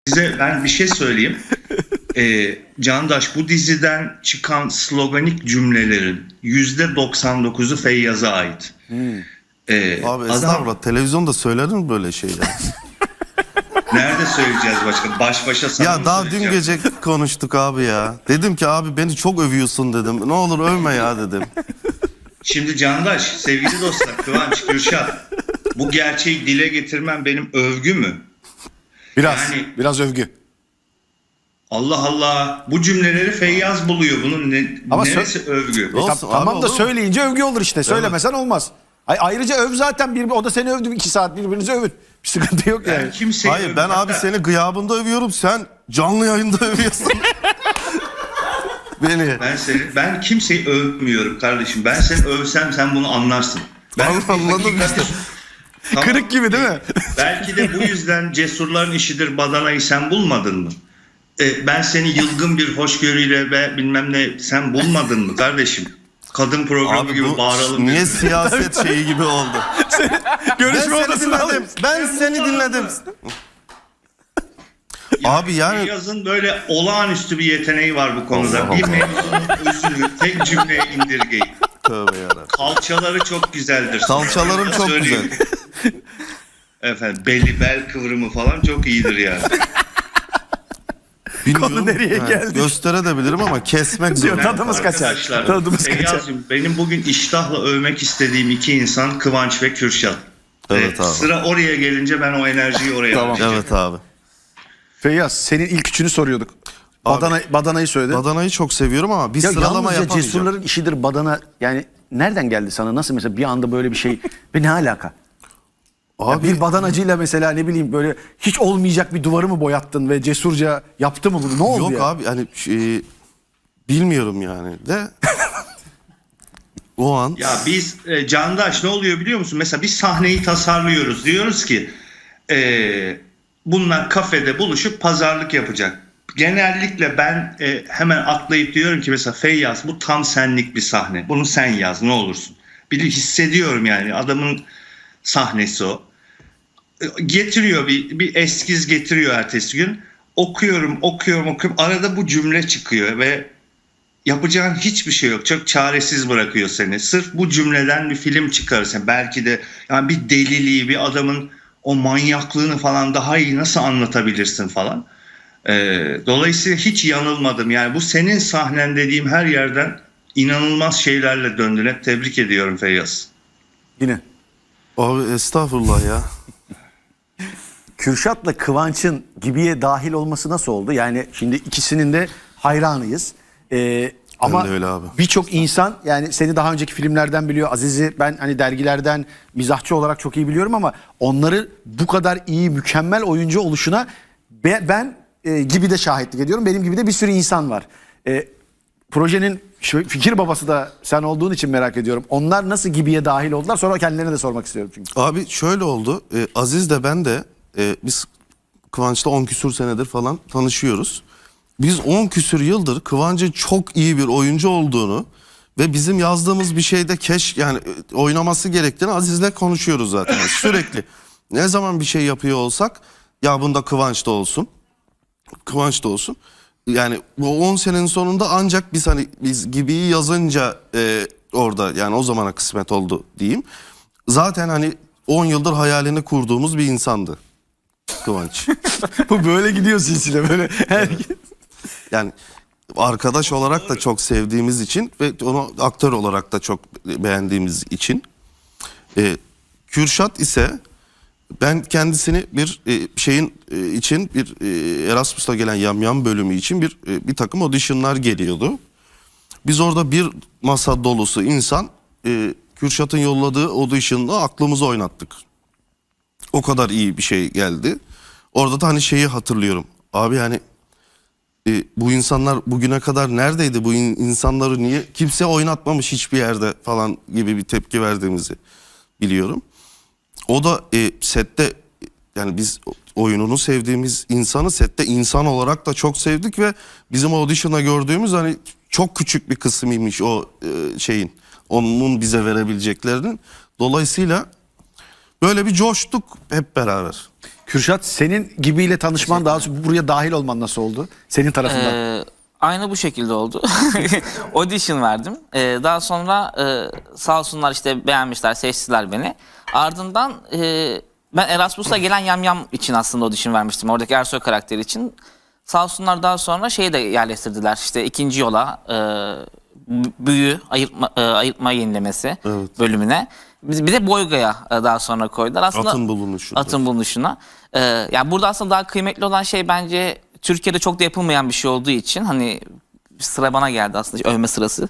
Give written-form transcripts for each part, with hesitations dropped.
Size ben bir şey söyleyeyim. Candaş, bu diziden çıkan sloganik cümlelerin %99'u Feyyaz'a ait. Abi Adam estağfurullah, televizyonda söylenir mi böyle şeyler? nerede söyleyeceğiz başka? Baş başa sana Ya mı daha dün söyleyeceğim? gece konuştuk abi ya. Dedim ki abi beni çok övüyorsun dedim. Ne olur övme ya dedim. Şimdi Candaş, sevgili dostlar, Kıvanç, Kürşat, bu gerçeği dile getirmem benim övgü mü? Biraz övgü. Allah Allah, bu cümleleri Feyyaz buluyor. Bunun Ama neresi övgü? Olsun abi, Tamam da olur mu? söyleyince övgü olur işte. Söylemesen olmaz. Ayrıca öv zaten, o da seni övdü, 2 saat birbirinizi övün. Bir sıkıntı yok yani. Ben kimseyi Hayır, ben abi seni gıyabında övüyorum, sen canlı yayında övüyorsun. Beni. Ben kimseyi övmüyorum kardeşim. Ben seni övsem sen bunu anlarsın. Anladım işte. Tamam. Kırık gibi değil mi? Belki de bu yüzden cesurların işidir badanayı sen bulmadın mı? Ben seni yılgın bir hoşgörüyle ve bilmem ne sen bulmadın mı kardeşim? Kadın programı Abi gibi bu bağıralım. niye birbirine. siyaset şeyi gibi oldu? Görüşme Ben seni odasına dinledim. Ben seni dinledim. Abi yani Feyyaz'ın böyle olağanüstü bir yeteneği var bu konuda. Allah Bir Allah. mevzunun özünü tek cümleye indirgeyin. tövbe yarabbim. Kalçaları çok güzeldir. Salçalarım Sana çok söyleyeyim. güzel. Efendim bel kıvrımı falan çok iyidir yani. Bilmiyorum. Konu nereye Yani geldi? Gösterebilirim ama kesmek zor. Diyor, tadımız kaçar. Arkadaşlar, Tadımız kaçar. Feyyaz'cığım, benim bugün iştahla övmek istediğim iki insan Kıvanç ve Kürşat. Evet abi. Sıra oraya gelince ben o enerjiyi oraya Tamam. harcayacağım. Evet abi. Feyyaz, senin ilk üçünü soruyorduk. Badanayı söyledi. Badanayı çok seviyorum ama bir Ya sıralama yalnızca yapamayacağım. cesurların işidir badana, yani nereden geldi sana? Nasıl mesela bir anda böyle bir şey ve ne alaka? Ya Abi bir badanacıyla mesela ne bileyim böyle hiç olmayacak bir duvarı mı boyattın ve cesurca yaptı mı bunu? Ne oldu yok ya? abi hani bilmiyorum yani de o an Ya biz Candaş ne oluyor biliyor musun? Mesela bir sahneyi tasarlıyoruz. Diyoruz ki bunlar kafede buluşup pazarlık yapacak. Genellikle ben hemen atlayıp diyorum ki mesela Feyyaz, bu tam senlik bir sahne. Bunu sen yaz ne olursun. Bir hissediyorum yani adamın sahnesi o. Getiriyor bir eskiz getiriyor ertesi gün. Okuyorum. Arada bu cümle çıkıyor ve yapacağın hiçbir şey yok. Çok çaresiz bırakıyor seni. Sırf bu cümleden bir film çıkarırsan belki de yani bir deliliği, bir adamın o manyaklığını falan daha iyi nasıl anlatabilirsin falan. Dolayısıyla hiç yanılmadım. Yani bu senin sahnen dediğim her yerden inanılmaz şeylerle döndün. Hep tebrik ediyorum Feyyaz. Yine. abi estağfurullah ya. Kürşat'la Kıvanç'ın Gibi'ye dahil olması nasıl oldu? Yani şimdi ikisinin de hayranıyız. Ama de öyle abi. birçok insan yani seni daha önceki filmlerden biliyor. Aziz'i ben hani dergilerden mizahçı olarak çok iyi biliyorum ama onları bu kadar iyi, mükemmel oyuncu oluşuna ben Gibi'de şahitlik ediyorum. Benim gibi de bir sürü insan var. Projenin fikir babası da sen olduğun için merak ediyorum. Onlar nasıl Gibi'ye dahil oldular? Sonra kendilerine de sormak istiyorum çünkü. Abi şöyle oldu. Aziz de ben de biz Kıvanç'la 10 küsür senedir falan tanışıyoruz. Biz 10 küsür yıldır Kıvanç'ın çok iyi bir oyuncu olduğunu ve bizim yazdığımız bir şeyde yani oynaması gerektiğini Aziz'le konuşuyoruz zaten. Yani sürekli. Ne zaman bir şey yapıyor olsak ya bunda Kıvanç da olsun. Kıvanç da olsun. Yani bu 10 senenin sonunda ancak biz Gibi'yi yazınca orada yani o zamana kısmet oldu diyeyim. Zaten hani 10 yıldır hayalini kurduğumuz bir insandı Kıvanç. Bu böyle gidiyor silsile böyle. Yani arkadaş olarak da çok sevdiğimiz için ve onu aktör olarak da çok beğendiğimiz için. Kürşat ise ben kendisini bir şeyin için bir Erasmus'ta gelen Yamyam bölümü için bir takım auditionlar geliyordu. Biz orada bir masa dolusu insan Kürşat'ın yolladığı audition'la aklımızı oynattık. O kadar iyi bir şey geldi. Orada da hani şeyi hatırlıyorum. Abi yani bu insanlar bugüne kadar neredeydi? Bu insanları niye kimse oynatmamış hiçbir yerde falan gibi bir tepki verdiğimizi biliyorum. O da sette yani biz oyununu sevdiğimiz insanı sette insan olarak da çok sevdik ve bizim audition'a gördüğümüz hani çok küçük bir kısmıymış o şeyin, onun bize verebileceklerinin. Dolayısıyla böyle bir coştuk hep beraber. Kürşat, senin gibiyle tanışman, daha sonra buraya dahil olman nasıl oldu? Senin tarafından. Aynı bu şekilde oldu. Audition verdim. Daha sonra sağ olsunlar işte beğenmişler, seçtiler beni. Ardından ben Erasmus'a gelen Yamyam için aslında audition vermiştim. Oradaki Ersoy karakteri için. Sağ olsunlar daha sonra şeyi de yerleştirdiler. İşte ikinci yola büyü, ayırtma yenilemesi bölümüne. Bir de Boyga'ya daha sonra koydular. Aslında Atın bulunuşu. Atın bulunuşuna. Yani burada aslında daha kıymetli olan şey bence Türkiye'de çok da yapılmayan bir şey olduğu için hani sıra bana geldi aslında övme sırası.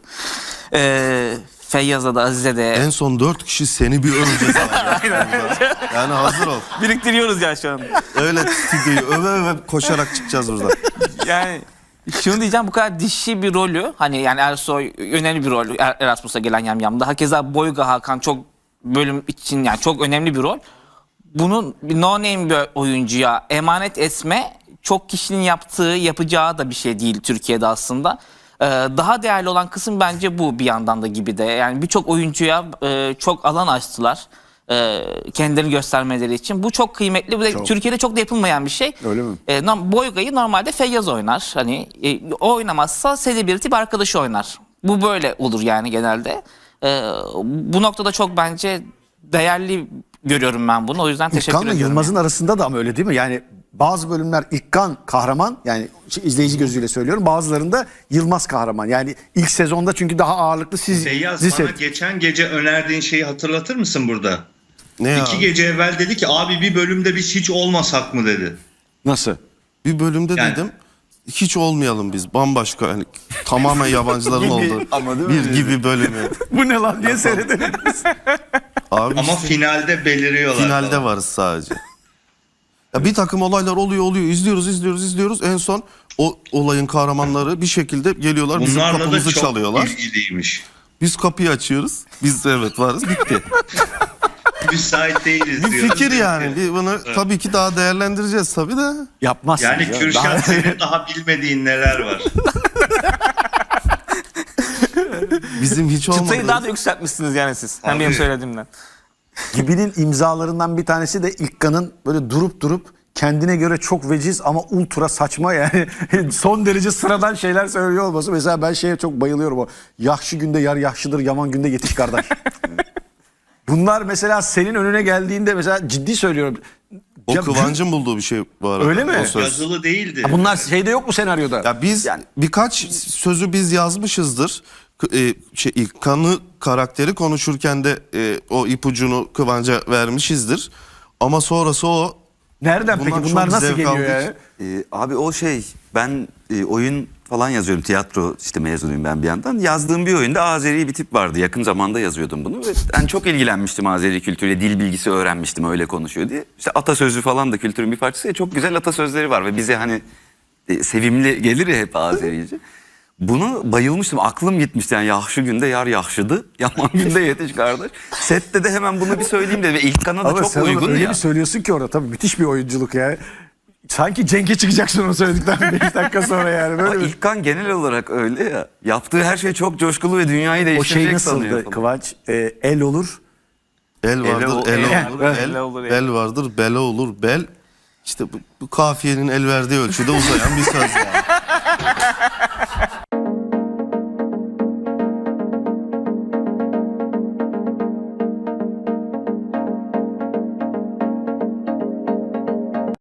Feyyaz'a da Azize de. En son 4 kişi seni bir öveceğiz abi. Yani hazır ol. Biriktiriyoruz ya şu an. Öyle stüdyoyu öve öve koşarak çıkacağız buradan. Yani şunu diyeceğim, bu kadar dişi bir rolü hani yani Ersoy önemli bir rol Erasmus'a gelen Yamyam'da. Hakeza Boyga Hakan çok bölüm için yani çok önemli bir rol. Bunun bir no name bir oyuncuya emanet etme çok kişinin yapacağı da bir şey değil Türkiye'de aslında. Daha değerli olan kısım bence bu bir yandan da gibi de. Yani birçok oyuncuya çok alan açtılar. Kendilerini göstermeleri için. Bu çok kıymetli. Bu da Türkiye'de çok da yapılmayan bir şey. Öyle mi? Boyga'yı normalde Feyyaz oynar. Hani o oynamazsa celebrity bir arkadaşı oynar. Bu böyle olur yani genelde. Bu noktada çok bence değerli görüyorum ben bunu. O yüzden teşekkür İlkan'la ediyorum. Yılmaz'ın arasında da ama öyle değil mi? Yani bazı bölümler İlkan kahraman, yani izleyici gözüyle söylüyorum. Bazılarında Yılmaz kahraman. Yani ilk sezonda çünkü daha ağırlıklı siz Feyyaz, dizi bana set- geçen gece önerdiğin şeyi hatırlatır mısın burada? Ne ya? 2 gece evvel dedi ki abi bir bölümde biz hiç olmasak mı dedi. Nasıl? Bir bölümde Yani- dedim hiç olmayalım biz. Bambaşka yani tamamen yabancıların olduğu ama değil mi? bir gibi bölümü. Bu ne lan diye seyredelim. Abi Ama işte finalde beliriyorlar. finalde falan. varız sadece. Ya bir takım olaylar oluyor izliyoruz. En son o olayın kahramanları bir şekilde geliyorlar bizim Bunlarla da kapımızı çok çalıyorlar. ilgiliymiş. Biz kapıyı açıyoruz. Biz evet varız bitti. Müsait değiliz Bir diyoruz. fikir yani. Bunu tabii ki daha değerlendireceğiz tabii de. Yapmazsınız. Yani ya. Kürşat Daha- senin daha bilmediğin neler var. Bizim hiç olmadı. Çıtayı daha da yükseltmişsiniz yani siz. Hem benim Abi. söylediğimden. Gibi'nin imzalarından bir tanesi de İlkan'ın böyle durup kendine göre çok veciz ama ultra saçma, yani son derece sıradan şeyler söylüyor olması. Mesela ben şeye çok bayılıyorum, o yahşi günde yar yahşıdır, yaman günde yetiş kardeş. Bunlar mesela senin önüne geldiğinde, mesela ciddi söylüyorum. O Ya- Kıvancın bulduğu bir şey bu arada. Öyle mi? O söz. Yazılı değildi. Bunlar şeyde yok mu senaryoda? Ya biz birkaç sözü biz yazmışızdır. İlkan'ı karakteri konuşurken de o ipucunu Kıvanç'a vermişizdir. Ama sonrası o. Nereden peki? Bundan Bunlar çok nasıl zevk geliyor aldık. yani? Abi o şey, ben oyun falan yazıyorum, tiyatro işte mezunuyum ben bir yandan. Yazdığım bir oyunda Azeri bir tip vardı, yakın zamanda yazıyordum bunu ve ben çok ilgilenmiştim Azeri kültürüyle, dil bilgisi öğrenmiştim öyle konuşuyor diye. İşte atasözü falan da kültürün bir parçası ya, çok güzel atasözleri var ve bize hani sevimli gelir ya hep Azerice. Bunu bayılmıştım, aklım gitmişti yani, yahşi günde yar yahşıdı, yaman günde yetiş kardeş. Sette de hemen bunu bir söyleyeyim dedi ve İlkan'a da Ama çok sen onu uygun öyle ya. bir söylüyorsun ki orada, tabii müthiş bir oyunculuk ya. Sanki Cenk'e çıkacaksın onu söyledikten 5 dakika sonra yani. Ama Böyle bir... İlkan genel olarak öyle ya. Yaptığı her şey çok coşkulu ve dünyayı O değiştirecek şey sanıyor. nasıldı Kıvanç? El olur. El vardır, el olur, El olur, bel vardır, bela olur, bel. İşte bu kafiyenin el verdiği ölçüde uzayan bir söz yani.